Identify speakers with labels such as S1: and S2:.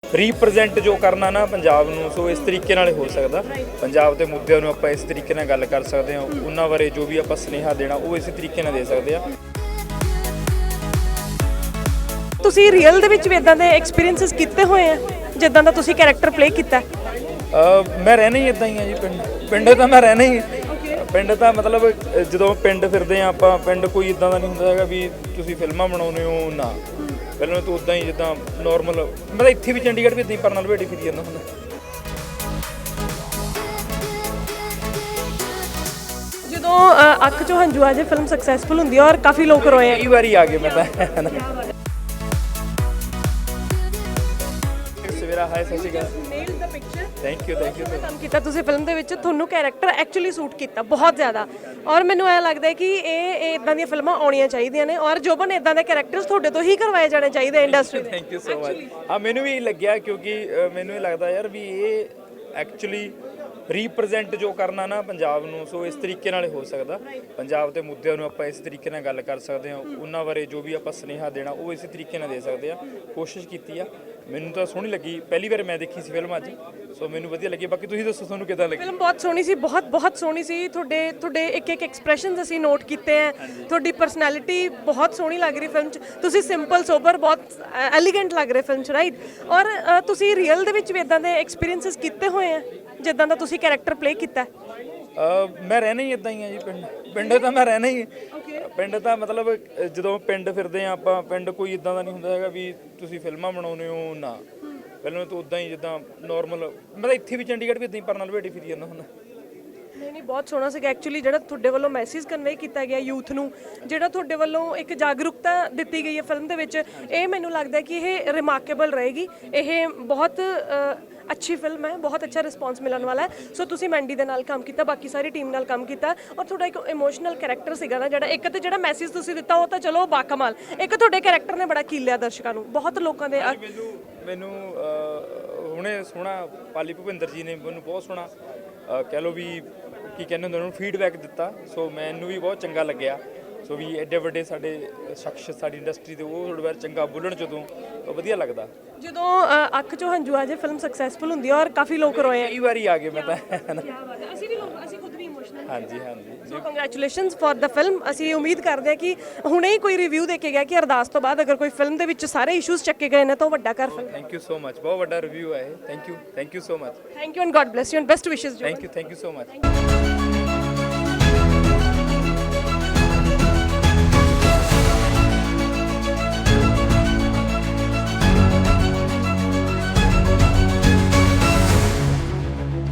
S1: Represent ਜੋ ਕਰਨਾ ਨਾ ਪੰਜਾਬ ਨੂੰ, ਸੋ ਇਸ ਤਰੀਕੇ ਨਾਲ ਹੋ ਸਕਦਾ। ਪੰਜਾਬ ਦੇ ਮੁੱਦਿਆਂ ਨੂੰ ਆਪਾਂ ਇਸ ਤਰੀਕੇ ਨਾਲ ਗੱਲ ਕਰ ਸਕਦੇ ਹਾਂ, ਉਹਨਾਂ ਬਾਰੇ ਜੋ ਵੀ ਆਪਾਂ ਸੁਨੇਹਾ ਦੇਣਾ ਉਹ ਇਸੇ ਤਰੀਕੇ ਨਾਲ ਦੇ ਸਕਦੇ ਆ।
S2: ਤੁਸੀਂ ਰੀਅਲ ਦੇ ਵਿੱਚ ਵੀ ਇਦਾਂ ਦੇ ਐਕਸਪੀਰੀਐਂਸਸ ਕੀਤੇ ਹੋਏ ਆ ਜਿੱਦਾਂ ਦਾ ਤੁਸੀਂ ਕੈਰੈਕਟਰ ਪਲੇ ਕੀਤਾ?
S1: ਮੈਂ ਰਹਿਣਾ ਹੀ ਇਦਾਂ ਹੀ ਆ ਜੀ, ਪਿੰਡ ਤਾਂ ਮੈਂ ਰਹਿਣਾ ਹੀ। ਪਿੰਡ ਤਾਂ ਮਤਲਬ ਜਦੋਂ ਪਿੰਡ ਫਿਰਦੇ ਆ ਆਪਾਂ, ਪਿੰਡ ਕੋਈ ਇਦਾਂ ਦਾ ਨਹੀਂ ਹੁੰਦਾ ਹੈਗਾ ਵੀ ਤੁਸੀਂ ਫਿਲਮਾਂ ਬਣਾਉਂਦੇ ਹੋ, ਨਾ। ਪਹਿਲਾਂ ਤਾਂ ਉਦਾਂ ਹੀ ਜਿੱਦਾਂ ਨੋਰਮਲ, ਮੈਂ ਤਾਂ ਇੱਥੇ ਵੀ ਚੰਡੀਗੜ੍ਹ ਵੀ ਇਦਾਂ ਹੀ ਪਰਨਾਲ ਭੇਟੀ ਫਿਰੀ ਜਾਂਦਾ ਹੁੰਦਾ।
S2: ਜਦੋਂ ਅੱਖ ਚੋਂ ਹੰਝੂ ਆ ਜੇ ਫਿਲਮ ਸਕਸੈਸਫੁਲ ਹੁੰਦੀ ਹੈ ਔਰ ਕਾਫੀ ਲੋਕ ਰੋਏ ਆ,
S1: ਕਈ ਵਾਰੀ ਆ ਗਏ ਮੈਂ ਤਾਂ। ਸਵੇਰਾ ਹਾਈ, ਸਤਿ ਸ਼੍ਰੀ ਅਕਾਲ। ਥੈਂਕ ਯੂ
S2: ਕੰਮ ਕੀਤਾ ਤੁਸੀਂ ਫਿਲਮ ਦੇ ਵਿੱਚ, ਤੁਹਾਨੂੰ ਕੈਰੈਕਟਰ ਐਕਚੁਅਲੀ ਸੂਟ ਕੀਤਾ ਬਹੁਤ ਜ਼ਿਆਦਾ, ਔਰ ਮੈਨੂੰ ਐਂ ਲੱਗਦਾ ਹੈ ਕਿ ਇਹ ਇਦਾਂ ਦੀਆਂ ਫਿਲਮਾਂ ਆਉਣੀਆਂ ਚਾਹੀਦੀਆਂ ਨੇ, ਔਰ ਜੋਬਨ ਇਦਾਂ ਦੇ ਕੈਰੈਕਟਰਸ ਤੁਹਾਡੇ ਤੋਂ ਹੀ ਕਰਵਾਏ ਜਾਣੇ ਚਾਹੀਦੇ ਇੰਡਸਟਰੀ ਦੇ।
S1: Thank you so much. ਹਾਂ, ਮੈਨੂੰ ਵੀ ਲੱਗਿਆ ਕਿਉਂਕਿ ਮੈਨੂੰ ਇਹ ਲੱਗਦਾ ਯਾਰ ਵੀ ਇਹ ਐਕਚੁਅਲੀ ਰੀਪ੍ਰੈਜ਼ੈਂਟ ਜੋ ਕਰਨਾ ਨਾ ਪੰਜਾਬ ਨੂੰ, ਸੋ ਇਸ ਤਰੀਕੇ ਨਾਲ ਹੋ ਸਕਦਾ। ਪੰਜਾਬ ਦੇ ਮੁੱਦਿਆਂ ਨੂੰ ਆਪਾਂ ਇਸ ਤਰੀਕੇ ਨਾਲ ਗੱਲ ਕਰ ਸਕਦੇ ਹਾਂ, ਉਹਨਾਂ ਬਾਰੇ ਜੋ ਵੀ ਆਪਾਂ ਸੁਨੇਹਾ ਦੇਣਾ ਉਹ ਇਸੇ ਤਰੀਕੇ ਨਾਲ ਦੇ ਸਕਦੇ ਆ। ਕੋਸ਼ਿਸ਼ ਕੀਤੀ ਆ, ਮੈਨੂੰ ਤਾਂ ਸੋਹਣੀ ਲੱਗੀ। ਪਹਿਲੀ ਵਾਰ ਮੈਂ ਦੇਖੀ ਸੀ ਫਿਲਮ ਅੱਜ, ਸੋ ਮੈਨੂੰ ਵਧੀਆ ਲੱਗੀ। ਬਾਕੀ ਤੁਸੀਂ ਦੱਸੋ ਤੁਹਾਨੂੰ ਕਿੱਦਾਂ ਲੱਗੀ?
S2: ਫਿਲਮ ਬਹੁਤ ਸੋਹਣੀ ਸੀ, ਬਹੁਤ ਸੋਹਣੀ ਸੀ। ਤੁਹਾਡੇ ਇੱਕ ਐਕਸਪ੍ਰੈਸ਼ਨਸ ਅਸੀਂ ਨੋਟ ਕੀਤੇ ਹੈ, ਤੁਹਾਡੀ ਪਰਸਨੈਲਿਟੀ ਬਹੁਤ ਸੋਹਣੀ ਲੱਗ ਰਹੀ ਫਿਲਮ 'ਚ। ਤੁਸੀਂ ਸਿੰਪਲ ਸੋਬਰ ਬਹੁਤ ਐਲੀਗੈਂਟ ਲੱਗ ਰਹੇ ਫਿਲਮ 'ਚ, ਰਾਈਟ? ਔਰ ਤੁਸੀਂ ਰੀਅਲ ਦੇ ਵਿੱਚ ਵੀ ਇਦਾਂ ਦੇ ਐਕਸਪੀਰੀਐਂਸਸ ਕੀਤੇ ਹੋਏ ਆ ਜਿੱਦਾਂ ਦਾ ਤੁਸੀਂ ਕੈਰੈਕਟਰ ਪਲੇ ਕੀਤਾ?
S1: ਮੈਂ ਰਹਿਣਾ ਹੀ ਇਦਾਂ ਹੀ ਆ ਜੀ, ਪਿੰਡ ਤਾਂ ਮੈਂ ਰਹਿਣਾ ਹੀ। ਪਿੰਡ ਤਾਂ ਮਤਲਬ ਜਦੋਂ ਪਿੰਡ ਫਿਰਦੇ ਆ ਆਪਾਂ, ਪਿੰਡ ਕੋਈ ਇਦਾਂ ਦਾ ਨਹੀਂ ਹੁੰਦਾ ਹੈਗਾ ਵੀ ਤੁਸੀਂ ਫਿਲਮਾਂ ਬਣਾਉਂਦੇ ਹੋ, ਨਾ। ਪਹਿਲਾਂ ਤਾਂ ਉਦਾਂ ਹੀ ਜਿੱਦਾਂ ਨੋਰਮਲ, ਮੈਂ ਤਾਂ ਇੱਥੇ ਵੀ ਚੰਡੀਗੜ੍ਹ ਵੀ ਇਦਾਂ ਹੀ ਪਰਨਾਲ ਭੇਟੀ ਫਿਰੀ ਜਾਂਦਾ ਹੁੰਦਾ।
S2: ਨਹੀਂ, ਬਹੁਤ ਸੋਹਣਾ ਸੀਗਾ ਐਕਚੁਅਲੀ ਜਿਹੜਾ ਤੁਹਾਡੇ ਵੱਲੋਂ ਮੈਸੇਜ ਕਨਵੇ ਕੀਤਾ ਗਿਆ ਯੂਥ ਨੂੰ, ਜਿਹੜਾ ਤੁਹਾਡੇ ਵੱਲੋਂ ਇੱਕ ਜਾਗਰੂਕਤਾ ਦਿੱਤੀ ਗਈ ਹੈ ਫਿਲਮ ਦੇ ਵਿੱਚ, ਇਹ ਮੈਨੂੰ ਲੱਗਦਾ ਕਿ ਇਹ ਰਿਮਾਰਕੇਬਲ ਰਹੇਗੀ। ਇਹ ਬਹੁਤ ਅੱਛੀ ਫਿਲਮ ਹੈ, ਬਹੁਤ ਅੱਛਾ ਰਿਸਪੌਂਸ ਮਿਲਣ ਵਾਲਾ ਹੈ। ਸੋ ਤੁਸੀਂ ਮੈਂਡੀ ਦੇ ਨਾਲ ਕੰਮ ਕੀਤਾ, ਬਾਕੀ ਸਾਰੀ ਟੀਮ ਨਾਲ ਕੰਮ ਕੀਤਾ, ਔਰ ਤੁਹਾਡਾ ਇੱਕ ਇਮੋਸ਼ਨਲ ਕੈਰੈਕਟਰ ਸੀਗਾ ਨਾ ਜਿਹੜਾ, ਇੱਕ ਤੇ ਜਿਹੜਾ ਮੈਸੇਜ ਤੁਸੀਂ ਦਿੱਤਾ ਉਹ ਤਾਂ ਚਲੋ ਬਾਕਮਾਲ, ਇੱਕ ਤੁਹਾਡੇ ਕੈਰੈਕਟਰ ਨੇ ਬੜਾ ਕੀਲਿਆ ਦਰਸ਼ਕਾਂ ਨੂੰ, ਬਹੁਤ ਲੋਕਾਂ ਦੇ।
S1: ਮੈਨੂੰ ਹੁਣੇ ਸੋਹਣਾ ਪਾਲੀ ਭੁਪਿੰਦਰ ਜੀ ਨੇ ਮੈਨੂੰ ਬਹੁਤ ਸੋਹਣਾ ਕਹਿ ਲਓ ਵੀ ਕੀ ਕਹਿੰਦੇ ਹੁੰਦੇ ਉਹਨੂੰ ਫੀਡਬੈਕ ਦਿੱਤਾ, ਸੋ ਮੈਨੂੰ ਵੀ ਬਹੁਤ ਚੰਗਾ ਲੱਗਿਆ। ਸੋ ਵੀ ਐਡੇ ਵੱਡੇ ਸਾਡੇ ਸ਼ਖਸ ਸਾਡੀ ਇੰਡਸਟਰੀ ਦੇ, ਉਹ ਥੋੜ੍ਹਾ ਚੰਗਾ ਬੋਲਣ ਜਦੋਂ ਵਧੀਆ ਲੱਗਦਾ।
S2: ਜਦੋਂ ਅੱਖ ਚੋਂ ਹੰਝੂ ਆ ਜੇ ਫਿਲਮ ਸਕਸੈਸਫੁਲ ਹੁੰਦੀ ਹੈ ਔਰ ਕਾਫੀ ਲੋਕ ਰੋਏ ਆ,
S1: ਕਈ ਵਾਰੀ ਆ ਗਏ ਮੈਂ ਤਾਂ।
S2: ਅਸੀਂ ਖੁਦ ਵੀ ਇਮੋਸ਼ਨਲ।
S1: ਹਾਂਜੀ।
S2: So congratulations for the film. ਅਸੀਂ ਉਮੀਦ ਕਰਦੇ ਹਾਂ ਕਿ ਹੁਣੇ ਹੀ ਕੋਈ ਰਿਵਿਊ ਦੇ ਕੇ ਗਿਆ ਕਿ ਅਰਦਾਸ ਤੋਂ ਬਾਅਦ ਅਗਰ ਕੋਈ ਫਿਲਮ ਦੇ ਵਿੱਚ ਸਾਰੇ ਇਸ਼ੂਜ਼ ਚੱਕੇ ਗਏ ਨੇ ਤਾਂ ਉਹ ਵੱਡਾ ਕਰ film.
S1: Thank you so much, ਬਹੁਤ ਵੱਡਾ ਰਿਵਿਊ ਹੈ ਇਹ। Thank you so much.
S2: Thank you and God bless you and best wishes.
S1: Thank you so much.